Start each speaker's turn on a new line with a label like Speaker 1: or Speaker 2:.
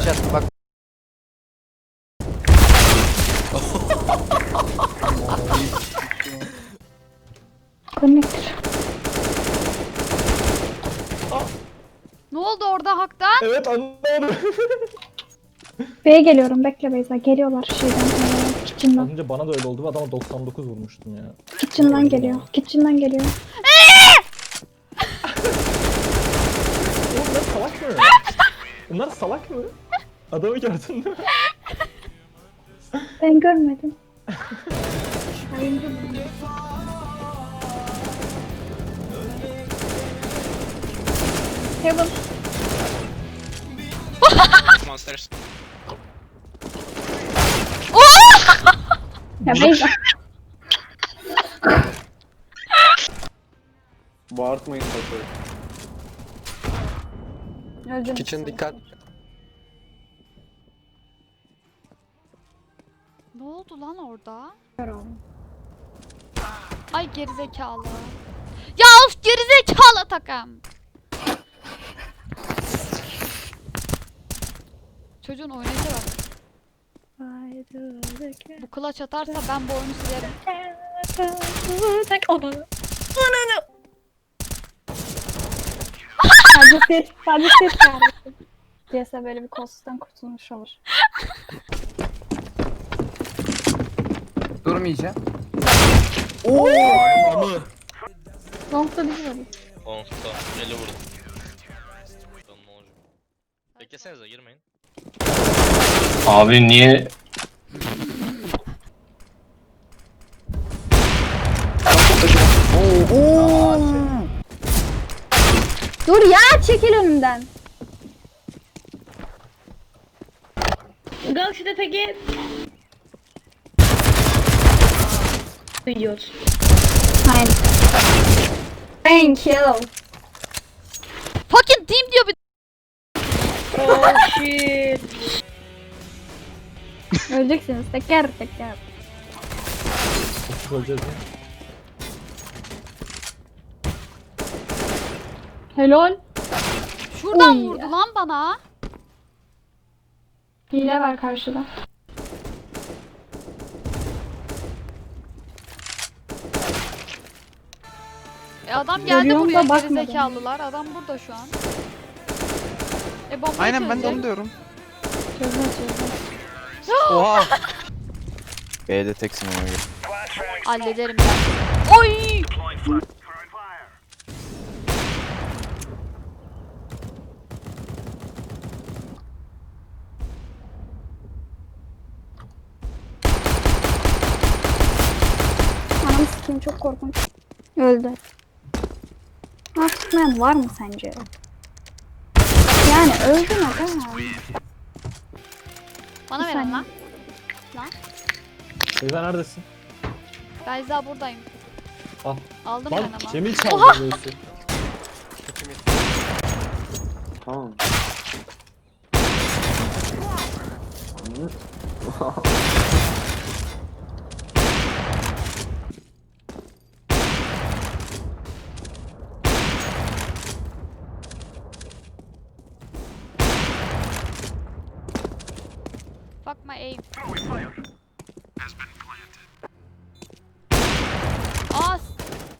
Speaker 1: flash attım bak.
Speaker 2: Connector.
Speaker 3: Ne oldu orada haktan?
Speaker 4: Evet anladım.
Speaker 2: B'ye geliyorum. Bekle Beyza. Geliyorlar şeyden.
Speaker 4: Az
Speaker 2: Kitchen'dan.
Speaker 4: önce bana da öyle oldu ve adama 99 vurmuştum ya.
Speaker 2: Kitchen'dan geliyor. Kitchen'dan geliyor.
Speaker 4: Oğlum bunlar salak mı? Bunlar salak mı? Adamı gördün değil mi?
Speaker 2: Ben görmedim. Heaven.
Speaker 5: Monsters.
Speaker 2: Ya Beyza.
Speaker 6: Bağırtmayın tabii.
Speaker 2: Öldüm.
Speaker 1: Kitchen dikkat.
Speaker 3: Ne oldu lan orada? Ay gerizekalı. Ya of gerizekalı takım. Çocuğun oynayışa bak. Bu clutch atarsa ben bu oyunu silerim.
Speaker 2: Sadece ses kardeşim. Diyese böyle bir kolsuzdan kurtulmuş olur.
Speaker 1: Durmayacağım.
Speaker 2: Long'da bizim olur.
Speaker 5: Onsta. 50 vurdum. Bakalım ne olacak. Beklesenize girmeyin.
Speaker 7: Abi niye?
Speaker 2: Dur ya çekil önümden.
Speaker 8: Galaxy'de peki duyuyoruz.
Speaker 2: Hayır. Thank you.
Speaker 3: Fucking team diyor bir.
Speaker 8: Oh shit.
Speaker 2: Öleceksiniz teker teker.
Speaker 4: Öleceğiz mi?
Speaker 2: Helal.
Speaker 3: Şuradan
Speaker 2: Oy.
Speaker 3: vurdu lan bana.
Speaker 2: Hile var karşıda.
Speaker 3: Adam geldi
Speaker 2: Görüyorum
Speaker 3: buraya
Speaker 2: da bakmadım.
Speaker 3: gerizekalılar. Adam burada şu an. Bombayı
Speaker 1: Aynen ben de
Speaker 3: çözecek.
Speaker 1: onu diyorum.
Speaker 2: Çözme çözme.
Speaker 1: Oha. B'de teksin ona göre.
Speaker 3: Hallederim ben. Oy!
Speaker 2: Anam sikeyim çok korkunç. Öldü. Ha tutmayan var mı sence? Yani öldü mü aga?
Speaker 3: Bana
Speaker 2: Bir
Speaker 3: verin
Speaker 2: saniye.
Speaker 3: lan. Lan.
Speaker 4: Beyza neredesin?
Speaker 3: Beyza buradayım.
Speaker 4: Al.
Speaker 3: Aldım
Speaker 4: Lan
Speaker 3: ben ama.
Speaker 4: Cemil çaldı böylesi.
Speaker 6: Tamam.
Speaker 3: Fuck my aim.